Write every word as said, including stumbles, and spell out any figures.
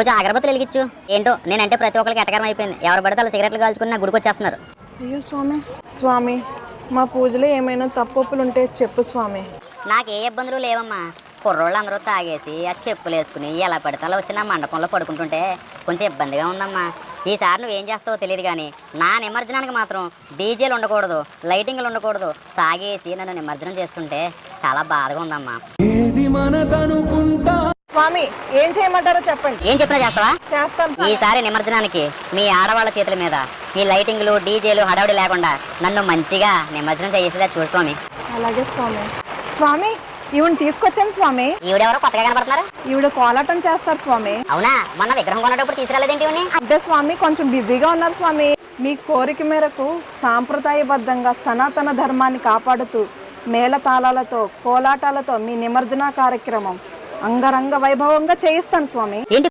కొంచెం అగరబత్తులు వెలిగించు. ఏంటో నేనంటే ప్రతి ఒక్కరికి ఎటకరం అయిపోయింది. ఎవరు పడితే వాళ్ళు సిగరెట్లు కాల్చుకుని నా గుడికి వచ్చేస్తున్నారు. అయ్యో స్వామి, స్వామి మా పూజలో ఏమైనా తప్పులు ఉంటే చెప్పు స్వామి. నాకు ఏ ఇబ్బందులు లేవమ్మా. కుర్రోళ్ళు అందరూ తాగేసి ఆ చెప్పులు వేసుకుని ఎలా పడితే అలా వచ్చి నా మండపంలో పడుకుంటుంటే కొంచెం ఇబ్బందిగా ఉందమ్మా. ఈసారి నువ్వేం చేస్తావో తెలియదు కానీ నా నిమజ్జనానికి మాత్రం డీజేలు ఉండకూడదు, లైటింగ్లు ఉండకూడదు. తాగేసి నన్ను నిమజ్జనం చేస్తుంటే చాలా బాధగా ఉందమ్మా. స్వామి ఏం చేయమంటారో చెప్పండి. ఏం చెప్పినా చేస్తావా? చేస్తాను. ఈసారి నిమజ్జనానికి మీ ఆడవాళ్ళ చేతుల మీద ఈ లైటింగ్లు డీజేలు హడావుడి లేకుండా నన్ను మంచిగా నిమజ్జనం చేసేలా చూడు స్వామి. అలాగే స్వామి. స్వామి ఈవిడ తీసుకొచ్చాను స్వామి. ఈవిడెవరో కొత్తగా కనపడుతున్నారు. ఈవిడ కోలాటం చేస్తారు స్వామి. అవునా? మొన్న విగ్రహం కొనేటప్పుడు తీసుకురాలేదేంటి ఇవన్నీ? అంటే స్వామి కొంచెం బిజీగా ఉన్నారు స్వామి. మీ కోరిక మేరకు సాంప్రదాయబద్ధంగా సనాతన ధర్మాన్ని కాపాడుతూ మేళతాళాలతో కోలాటాలతో మీ నిమజ్జన కార్యక్రమం అంగరంగ వైభవంగా చేయిస్తాను స్వామి. ఏంటి